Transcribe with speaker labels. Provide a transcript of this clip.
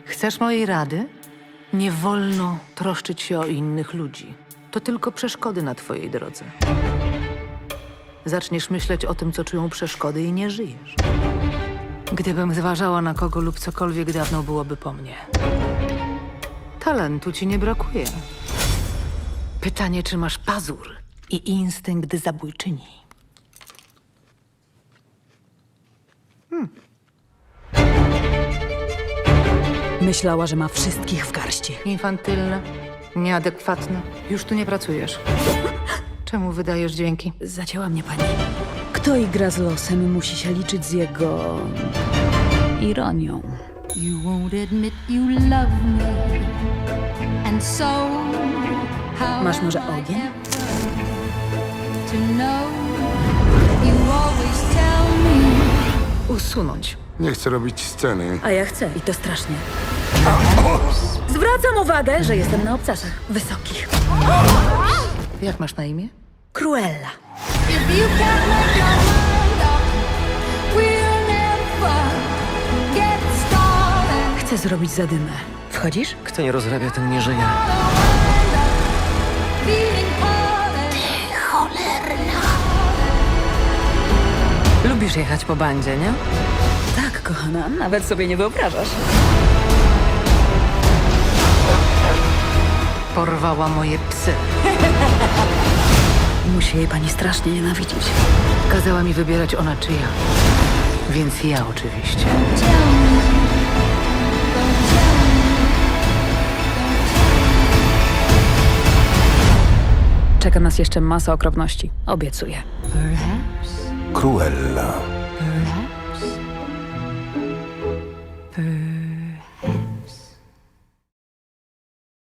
Speaker 1: Chcesz mojej rady? Nie wolno troszczyć się o innych ludzi. To tylko przeszkody na twojej drodze. Zaczniesz myśleć o tym, co czują przeszkody i nie żyjesz. Gdybym zważała na kogo lub cokolwiek, dawno byłoby po mnie. Talentu ci nie brakuje. Pytanie, czy masz pazur i instynkt zabójczyni.
Speaker 2: Myślała, że ma wszystkich w garści.
Speaker 1: Infantylne, nieadekwatne. Już tu nie pracujesz. Czemu wydajesz dźwięki?
Speaker 2: Zacięła mnie pani. Kto igra z losem, musi się liczyć z jego... ironią.
Speaker 3: You won't admit you love me, and so how
Speaker 2: Masz może
Speaker 3: am I
Speaker 2: ogień?
Speaker 3: ever to know? You always tell me
Speaker 1: Usunąć.
Speaker 4: Nie chcę robić sceny.
Speaker 2: A ja chcę i to strasznie. Zwracam uwagę, że jestem na obcasach wysokich.
Speaker 1: Jak masz na imię?
Speaker 2: Cruella.
Speaker 3: if you can't make your mind up, we'll never get started.
Speaker 2: Chcę zrobić zadymę. Wchodzisz?
Speaker 5: Kto nie rozrabia, ten nie żyje.
Speaker 3: Feeling parted.
Speaker 1: Lubisz jechać po bandzie, nie?
Speaker 2: Tak, kochana, nawet sobie nie wyobrażasz.
Speaker 1: Porwała moje psy.
Speaker 2: Musi jej pani strasznie nienawidzić.
Speaker 1: Kazała mi wybierać ona czy ja. Więc ja oczywiście.
Speaker 3: Tell me, don't tell me.
Speaker 2: Czeka nas jeszcze masa okropności. Obiecuję.
Speaker 3: Perhaps,
Speaker 4: Cruella.
Speaker 3: perhaps.